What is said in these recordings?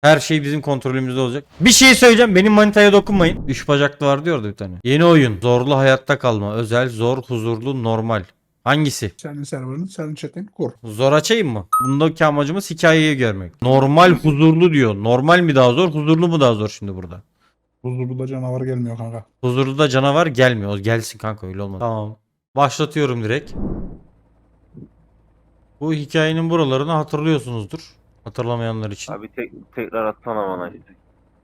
Her şey bizim kontrolümüzde olacak. Bir şey söyleyeceğim. Benim manitaya dokunmayın. 3 bacaklı var diyordu bir tane. Yeni oyun. Zorlu hayatta kalma. Özel, zor, huzurlu, normal. Hangisi? Senin serverını, senin chat'ini kur. Zor açayım mı? Bundaki amacımız hikayeyi görmek. Normal, huzurlu diyor. Normal mi daha zor, huzurlu mu daha zor şimdi burada? Huzurlu canavar gelmiyor kanka. Huzurlu da canavar gelmiyor. O gelsin kanka, öyle olmaz. Tamam. Başlatıyorum direkt. Bu hikayenin buralarını hatırlıyorsunuzdur. Hatırlamayanlar için. Abi tekrar atsana bana işte.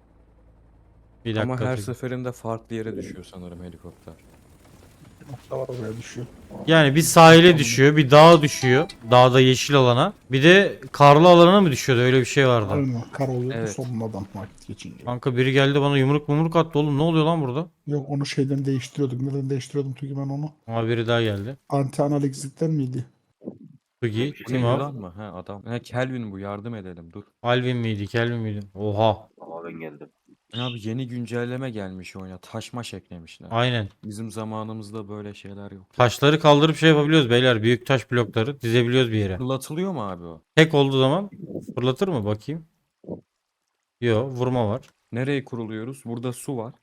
Bir Ama dakika. her seferinde farklı yere düşüyor sanırım helikopter. Nokta var oraya düşüyor. Yani bir sahile düşüyor, bir dağa düşüyor. Dağda yeşil alana. Bir de karlı alana mı düşüyordu? Öyle bir şey vardı. Aynen kar oluyor Evet. sonradan vakit geçince. Kanka biri geldi bana yumruk attı oğlum. Ne oluyor lan burada? Yok onu şeyden değiştiriyorduk. Neden değiştiriyordum Tugi ben onu? Ama biri daha geldi. Anti analeksikten miydi? Tugi, Bir şey Tim değil Up. Lan mı? He adam. He Kelvin bu, yardım edelim dur. Alvin miydi, Kelvin miydi? Oha. Ama ben geldim. Abi yeni güncelleme gelmiş oyuna. Taşmaş eklemişler. Aynen. Bizim zamanımızda böyle şeyler yok. Taşları kaldırıp şey yapabiliyoruz beyler. Büyük taş blokları dizebiliyoruz bir yere. Fırlatılıyor mu abi o? Tek olduğu zaman fırlatır mı bakayım? Yo, vurma var. Nereye kuruluyoruz? Burada su var.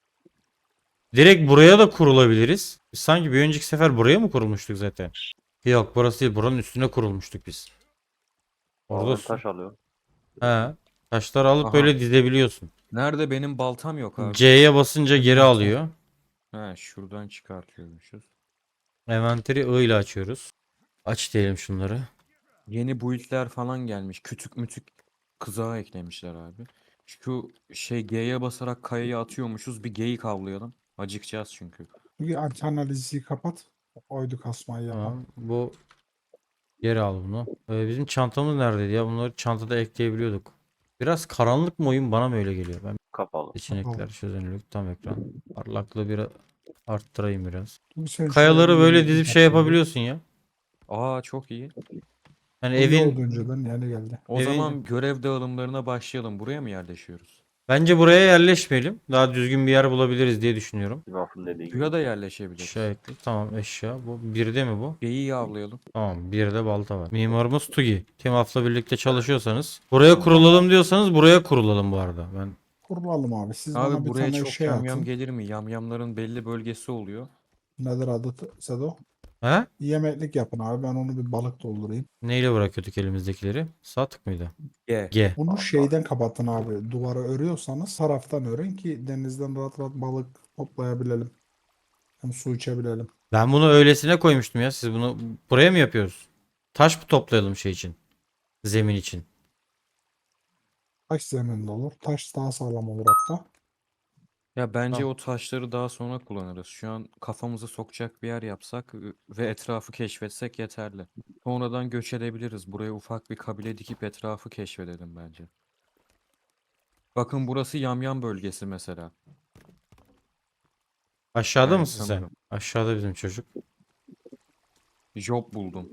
Direkt buraya da kurulabiliriz. Biz sanki bir önceki sefer buraya mı kurulmuştuk zaten? Yok, burası değil. Buranın üstüne kurulmuştuk biz. Orada Oradan su. taş alıyor. He. Taşları alıp Aha. böyle dizebiliyorsun. Nerede, benim baltam yok abi. C'ye basınca geri alıyor. He şuradan çıkartıyormuşuz. Envanteri I ile açıyoruz. Aç diyelim şunları. Yeni build'ler falan gelmiş. Kütük mütük kızağı eklemişler abi. Şu şey G'ye basarak kayayı atıyormuşuz. Bir geyik avlayalım. Acıkacağız çünkü. Tugi anti analizi kapat. Oydu kasmayı yapan. Tamam. Bu geri al bunu. Bizim çantamız neredeydi ya? Bunları çantada ekleyebiliyorduk. Biraz karanlık mı oyun, bana mı öyle geliyor? Ben Kapalı. seçenekler, çözünürlük, tam ekran. Parlaklığı bir arttırayım biraz. Tugi sen Kayaları şöyle böyle bir dizip şey yapsana. yapabiliyorsun ya. Aa çok iyi. Yani Bu iyi evin oldu önceden yani geldi. O Evin- zaman görev dağılımlarına başlayalım. Buraya mı yerleşiyoruz? bence buraya yerleşmeyelim. Daha düzgün bir yer bulabiliriz diye düşünüyorum. Lafın dediği gibi. Suya da yerleşebiliriz. Aşağı ekle. Tamam, eşya. Bu birde mi bu? Geyiği avlayalım. Tamam, bir de balta var. Mimarımız Tugi. Timaf'la birlikte çalışıyorsanız. Buraya kurulalım diyorsanız buraya kurulalım bu arada. Ben Kurulalım abi. Siz Abi bana bir buraya tane çok şey yamyam atın. gelir mi? Yamyamların belli bölgesi oluyor. Nedir adı Sedo? He? Yemeklik yapın abi. Ben onu bir balık doldurayım. Neyle bırakıyorduk elimizdekileri? Sağ tık mıydı? G. G. Bunu şeyden kapatın abi. Duvara örüyorsanız taraftan örün ki denizden rahat rahat balık toplayabilelim. Hem su içebilelim. Ben bunu öylesine koymuştum ya. Siz bunu buraya mı yapıyoruz? Taş mı toplayalım şey için? Zemin için. Taş zeminde olur. Taş daha sağlam olur hatta. Ya bence Ah. o taşları daha sonra kullanırız. Şu an kafamızı sokacak bir yer yapsak ve etrafı keşfetsek yeterli. Sonradan göç edebiliriz. Buraya ufak bir kabile dikip etrafı keşfedelim bence. Bakın burası yamyam bölgesi mesela. Aşağıda Yani mısın sen? sanırım. Aşağıda bizim çocuk. Job buldum.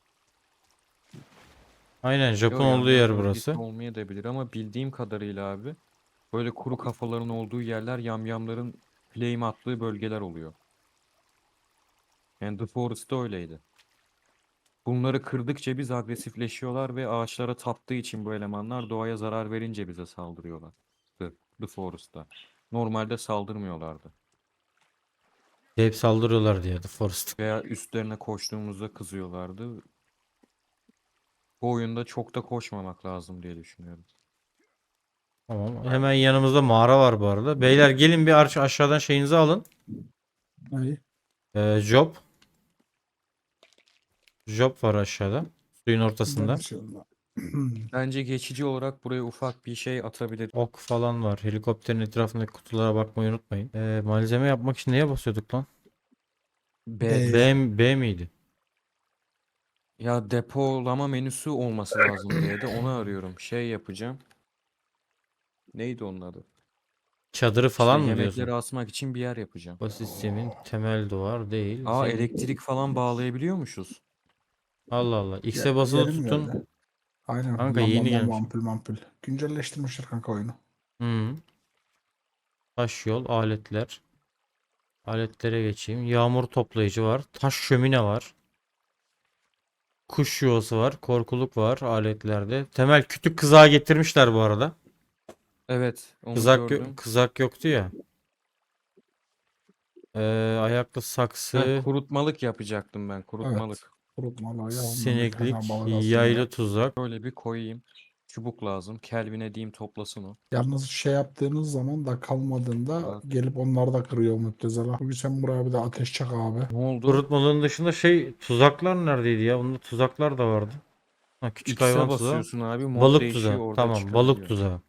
Aynen, Japon Yo, olduğu yamyam yer bölgesi burası. olmayabilir ama bildiğim kadarıyla abi böyle kuru kafaların olduğu yerler yamyamların flame attığı bölgeler oluyor. Yani The Forest'ta öyleydi. Bunları kırdıkça biz agresifleşiyorlar ve ağaçlara taptığı için bu elemanlar doğaya zarar verince bize saldırıyorlar. The Forest'ta. Normalde saldırmıyorlardı. Hep saldırıyorlar diye The Forest. Veya üstlerine koştuğumuzda kızıyorlardı. Bu oyunda çok da koşmamak lazım diye düşünüyorum. Tamam. Hemen yanımızda mağara var bu arada. Beyler gelin bir aşağıdan şeyinizi alın. İyi. Job. Job var aşağıda. Suyun ortasında. Ben şey olma. Bence geçici olarak buraya ufak bir şey atabilir. Ok falan var. Helikopterin etrafındaki kutulara bakmayı unutmayın. Malzeme yapmak için neye basıyorduk lan? B. B miydi? Ya depolama menüsü olması lazım diye de onu arıyorum. Şey yapacağım. Neydi onun adı? Çadırı İşte falan mı yemekleri diyorsun? asmak için bir yer yapacağım. Bu sistemin temel duvar değil. Aa Senin- elektrik falan bağlayabiliyormuşuz. Allah Allah. X'e basılı Yeni mi tutun. geldi? Aynen. Kanka yeni gelmiş. Ampul. Güncelleştirmişler kanka oyunu. Hı. Taş yol, aletler. Aletlere geçeyim. Yağmur toplayıcı var. Taş şömine var. Kuş yuvası var. Korkuluk var aletlerde. Temel kütük kızağı getirmişler bu arada. Evet, onu Kızak gördüm. kızak yoktu ya. Ayaklı saksı, Kurutmalık yapacaktım ben, Evet. kurutmalık. Kurutmalı ya ondan birkaç tane sineklik, balık alsın yaylı oraya. tuzak. Şöyle bir koyayım. Çubuk lazım. Kelvin'e diyeyim toplasın o. Yalnız şey yaptığınız zaman da kalmadığında Bak. gelip onlar da kırıyor müptezela. Çünkü sen buraya bir de ateş çak abi. Ne oldu? Kurutmalığın dışında tuzaklar neredeydi ya? Bunda tuzaklar da vardı. Ha, küçük hayvan X'e tuzağı. basıyorsun abi. Mod Balık değişiyor, tuzağı. orada Tamam, balık çıkabiliyor. tuzağı.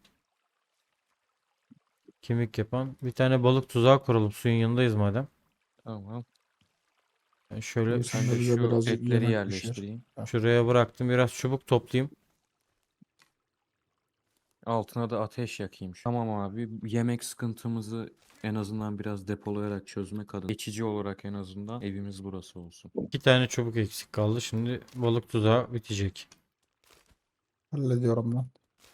Kemik yapan. Bir tane balık tuzağı kuralım. Suyun yanındayız madem. Tamam. Ben şöyle Şimdi sen Ben de de bize şu birazcık etleri yemek pişir. yerleştireyim. Heh. şuraya bıraktım. Biraz çubuk toplayayım. Altına da ateş yakayım. Tamam abi. Yemek sıkıntımızı en azından biraz depolayarak çözmek adına. Geçici olarak en azından evimiz burası olsun. 2 tane çubuk eksik kaldı. Şimdi balık tuzağı bitecek. Hallediyorum ben.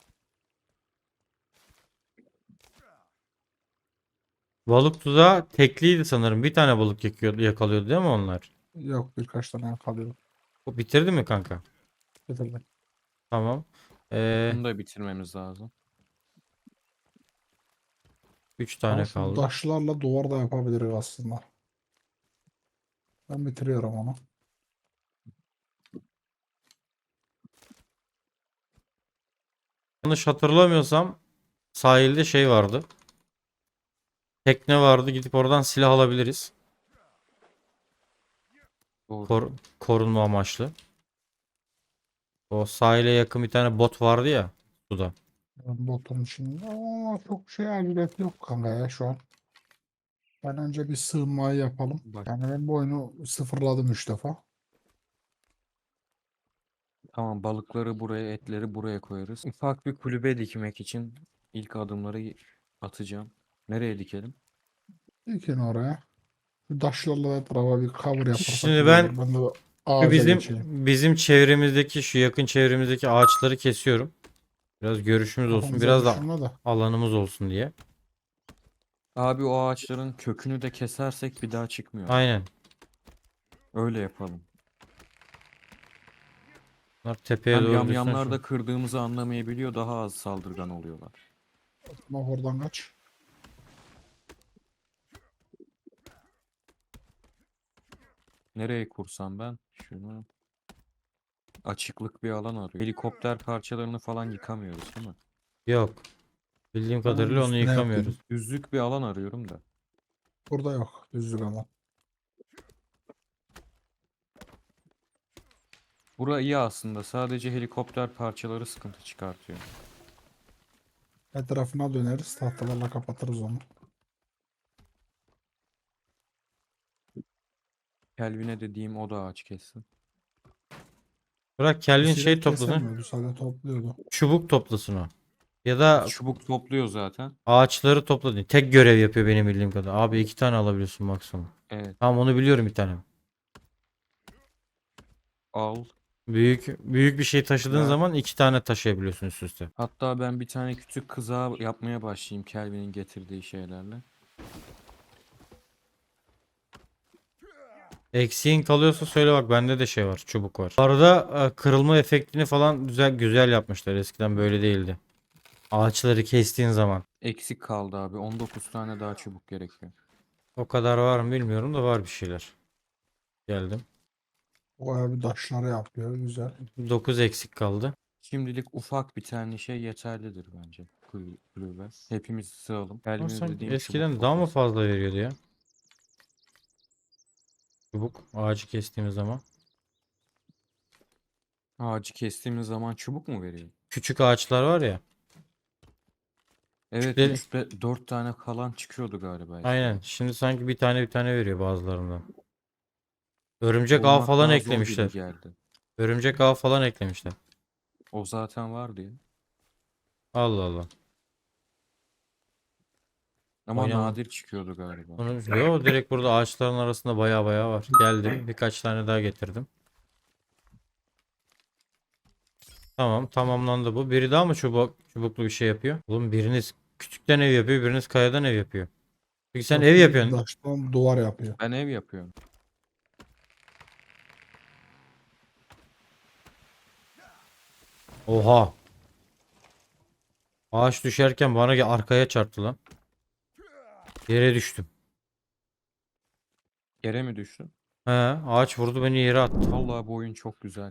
Balık tuzağı tekliydi sanırım. Bir tane balık yakalıyordu değil mi onlar? Yok birkaç tane kalıyor. O bitirdi mi kanka? Getirdim. Tamam. Bunu da bitirmemiz lazım. 3 Ama tane şu kaldı. taşlarla duvar da yapabiliriz aslında. Ben bitiriyorum onu. Yanlış hatırlamıyorsam sahilde şey vardı. Tekne vardı. Gidip oradan silah alabiliriz. Doğru. Korunma amaçlı. O sahile yakın bir tane bot vardı ya suda. Botun içinde. Ama çok şey aciliyet yok kanka ya şu an. Ben önce bir sığınmayı yapalım. Bak. Yani ben bu oyunu sıfırladım 3 defa. Tamam, balıkları buraya, etleri buraya koyarız. Ufak bir kulübe dikmek için ilk adımları atacağım. Nereye dikelim? Dikin oraya. Şu taşlarla etrafa bir cover yaparsak Şimdi güzel ben olur. Ben de şu ağaca geçeyim. bizim çevremizdeki şu yakın çevremizdeki ağaçları kesiyorum. Biraz görüşümüz olsun. Kafamıza Biraz da düşünme de. alanımız olsun diye. Abi o ağaçların kökünü de kesersek bir daha çıkmıyorlar. Aynen. Öyle yapalım. Bunlar tepeye Hem doğru düşsün. yamyamlar da kırdığımızı anlamayabiliyor, daha az saldırgan oluyorlar. Ama oradan kaç. Nereye kursam ben? Şunu. Açıklık bir alan arıyor. Helikopter parçalarını falan yıkamıyoruz değil mi? Yok. Bildiğim Onun kadarıyla onu üstüne yıkamıyoruz. yaptım. Düzlük bir alan arıyorum da. Burada yok. Düzlük ama. Bura iyi aslında. Sadece helikopter parçaları sıkıntı çıkartıyor. Etrafına döneriz. Tahtalarla kapatırız onu. Kelvin'e dediğim o da ağaç kessin. Bırak Kelvin şey Eskiden toplasın. kesemiyordu. Sadece topluyordu. Çubuk toplasın o. Ya da Çubuk topluyor zaten. ağaçları topla. Tek görev yapıyor benim bildiğim kadar. Abi 2 tane alabiliyorsun maksimum. Evet. Tamam onu biliyorum bir tane. Al. Büyük bir şey taşıdığın Ver. zaman 2 tane taşıyabiliyorsun üst üste. Hatta ben bir tane küçük kıza yapmaya başlayayım Kelvin'in getirdiği şeylerle. Eksiğin kalıyorsa söyle bak bende de şey var çubuk var. Bu arada kırılma efektini falan güzel yapmışlar. Eskiden böyle değildi. Ağaçları kestiğin zaman. Eksik kaldı abi. 19 tane daha çubuk gerekiyor. O kadar var mı bilmiyorum da var bir şeyler. Geldim. Bayağı bir taşları yapıyor. Güzel. 9 eksik kaldı. Şimdilik ufak bir tane şey yeterlidir bence. Kulübe. Hepimiz sığalım. Ama Kelvin'e sanki dediğim çubuk eskiden daha mı toplasın. fazla veriyordu ya? Çubuk ağacı kestiğimiz zaman. Ağacı kestiğimiz zaman çubuk mu veriyor? Küçük ağaçlar var ya. Evet, Küçükleri 3 ve 4 tane kalan çıkıyordu galiba aynen. eskiden. Şimdi sanki bir tane veriyor bazılarından. Örümcek ağ Bulmak falan daha zor gibi eklemişler. geldi. Örümcek ağ falan eklemişler. O zaten vardı ya. Allah Allah. Ama Oynama. nadir çıkıyordu galiba. Yo direkt burada ağaçların arasında baya var. Geldim. Birkaç tane daha getirdim. Tamam tamamlandı bu. Biri daha mı çubuklu bir şey yapıyor? Oğlum biriniz küçükten ev yapıyor, biriniz kayadan ev yapıyor. Peki sen Yok, ev bir yapıyorsun. taştan duvar yapıyor. Ben ev yapıyorum. Oha. Ağaç düşerken bana arkaya çarptı lan. Yere düştüm. Yere mi düştün? He, ağaç vurdu beni yere attı. Vallahi bu oyun çok güzel.